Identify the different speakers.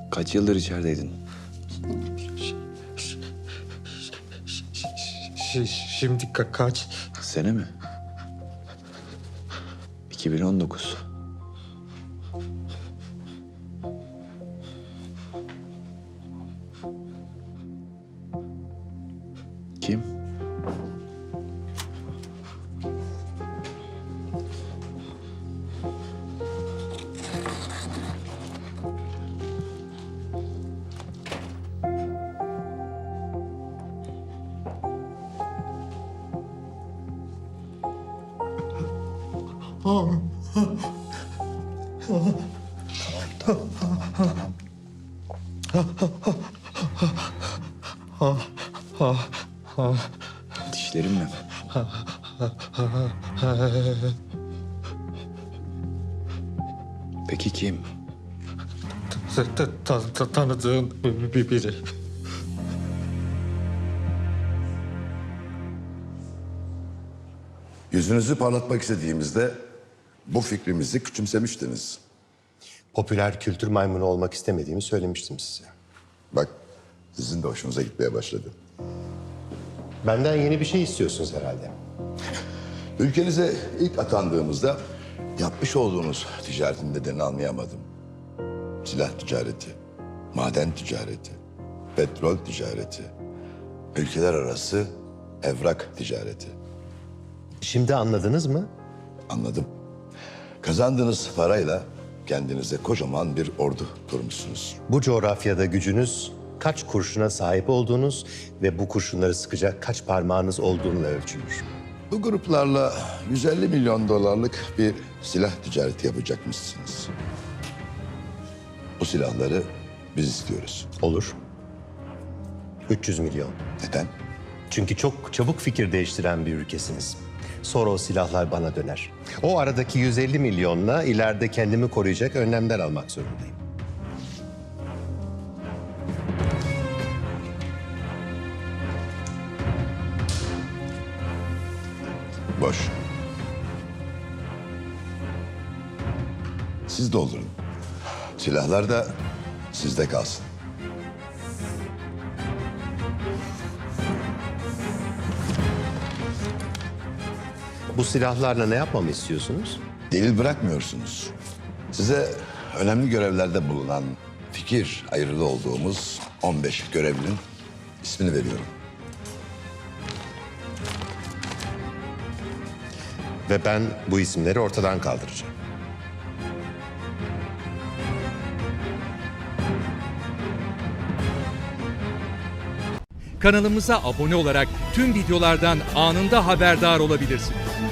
Speaker 1: Kaç yıldır içerideydin?
Speaker 2: Şimdi kaç?
Speaker 1: Sene mi? 2019. Kim? Dişlerim mi? Peki kim?
Speaker 2: Tanıdığın biri.
Speaker 3: Yüzünüzü parlatmak istediğimizde bu fikrimizi küçümsemiştiniz.
Speaker 4: Popüler kültür maymunu olmak istemediğimi söylemiştim size.
Speaker 3: Bak, sizin de hoşunuza gitmeye başladı.
Speaker 4: Benden yeni bir şey istiyorsunuz herhalde.
Speaker 3: Ülkenize ilk atandığımızda yapmış olduğunuz ticaretin nedenini anlayamadım. Silah ticareti, maden ticareti, petrol ticareti, ülkeler arası evrak ticareti.
Speaker 4: Şimdi anladınız mı?
Speaker 3: Anladım. Kazandığınız parayla kendinize kocaman bir ordu kurmuşsunuz.
Speaker 4: Bu coğrafyada gücünüz kaç kurşuna sahip olduğunuz ve bu kurşunları sıkacak kaç parmağınız olduğuyla ölçülür.
Speaker 3: Bu gruplarla 150 milyon dolarlık bir silah ticareti yapacakmışsınız. Bu silahları biz istiyoruz.
Speaker 4: Olur. 300 milyon.
Speaker 3: Neden?
Speaker 4: Çünkü çok çabuk fikir değiştiren bir ülkesiniz. Sonra o silahlar bana döner. O aradaki 150 milyonla ileride kendimi koruyacak önlemler almak zorundayım.
Speaker 3: Boş. Siz doldurun. Silahlar da sizde kalsın.
Speaker 4: Bu silahlarla ne yapmamı istiyorsunuz?
Speaker 3: Delil bırakmıyorsunuz. Size önemli görevlerde bulunan fikir ayrılığı olduğumuz 15 görevlinin ismini veriyorum.
Speaker 4: Ve ben bu isimleri ortadan kaldıracağım.
Speaker 5: Kanalımıza abone olarak tüm videolardan anında haberdar olabilirsiniz.